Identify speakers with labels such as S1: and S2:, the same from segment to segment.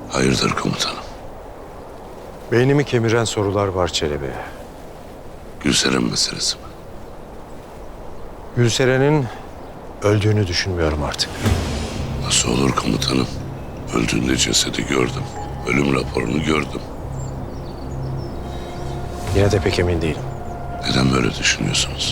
S1: Hayırdır komutanım?
S2: Beynimi kemiren sorular var Çelebi.
S1: Gülseren meselesi mi?
S2: Gülseren'in öldüğünü düşünmüyorum artık.
S1: Nasıl olur komutanım? Öldüğünde cesedi gördüm. Ölüm raporunu gördüm.
S2: Yine de pek emin değilim.
S1: Neden böyle düşünüyorsunuz?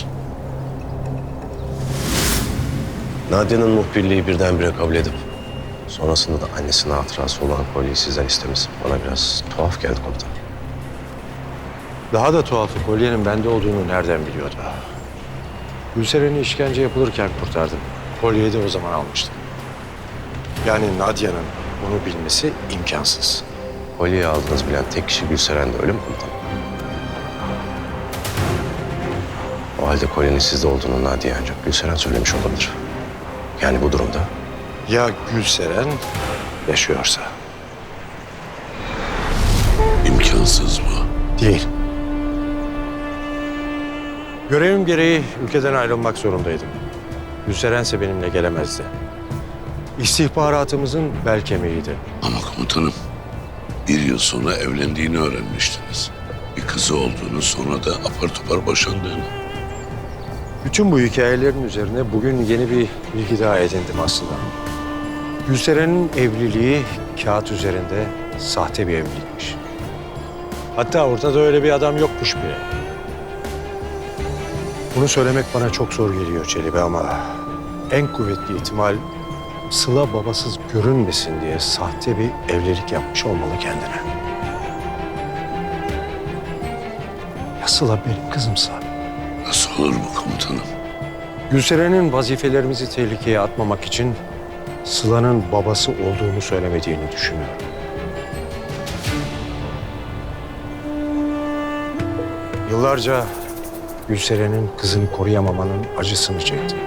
S3: Nadia'nın muhbirliği birdenbire kabul edip sonrasında da annesinin hatırası olan kolyeyi sizden istemesi bana biraz tuhaf geldi komutanım.
S2: Daha da tuhafı kolyenin bende olduğunu nereden biliyordu? Gülseren'i işkence yapılırken kurtardım. Kolyeyi de o zaman almıştım. Yani Nadia'nın bunu bilmesi imkansız.
S3: Kolyeyi aldığınız bilen tek kişi Gülseren'de, öyle mi komutanım? O halde kolyenin sizde olduğunu Nadia ancak Gülseren söylemiş olabilir. Yani bu durumda
S2: Ya Gülseren yaşıyorsa?
S1: İmkansız bu.
S2: Değil. Görevim gereği ülkeden ayrılmak zorundaydım. Gülserense benimle gelemezdi. İstihbaratımızın bel kemiğiydi.
S1: Ama komutanım, bir yıl sonra evlendiğini öğrenmiştiniz. Bir kızı olduğunu, sonra da apar topar boşandığını.
S2: Bütün bu hikayelerin üzerine bugün yeni bir bilgi daha edindim aslında. Gülseren'in evliliği kağıt üzerinde sahte bir evlilikmiş. Hatta ortada öyle bir adam yokmuş bile. Bunu söylemek bana çok zor geliyor Çelebi ama en kuvvetli ihtimal Sıla babasız görünmesin diye sahte bir evlilik yapmış olmalı kendine. Ya Sıla benim kızımsa?
S1: Nasıl olur bu komutanım?
S2: Gülseren'in vazifelerimizi tehlikeye atmamak için Sıla'nın babası olduğunu söylemediğini düşünüyorum. Yıllarca Gülseren'in kızını koruyamamanın acısını çektim.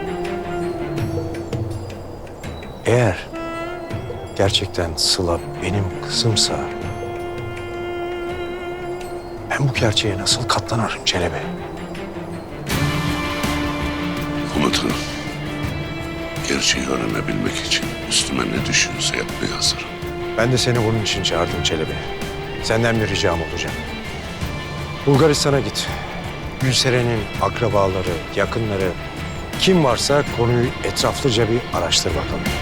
S2: Eğer gerçekten Sıla benim kızımsa ben bu gerçeğe nasıl katlanırım Çelebi?
S1: Komutanım, gerçeği öğrenebilmek için üstüme ne düşüyorsa yapmaya hazırım.
S2: Ben de seni bunun için çağırdım Çelebi. Senden bir ricam olacak. Bulgaristan'a git. Gülseren'in akrabaları, yakınları kim varsa konuyu etraflıca bir araştır bakalım.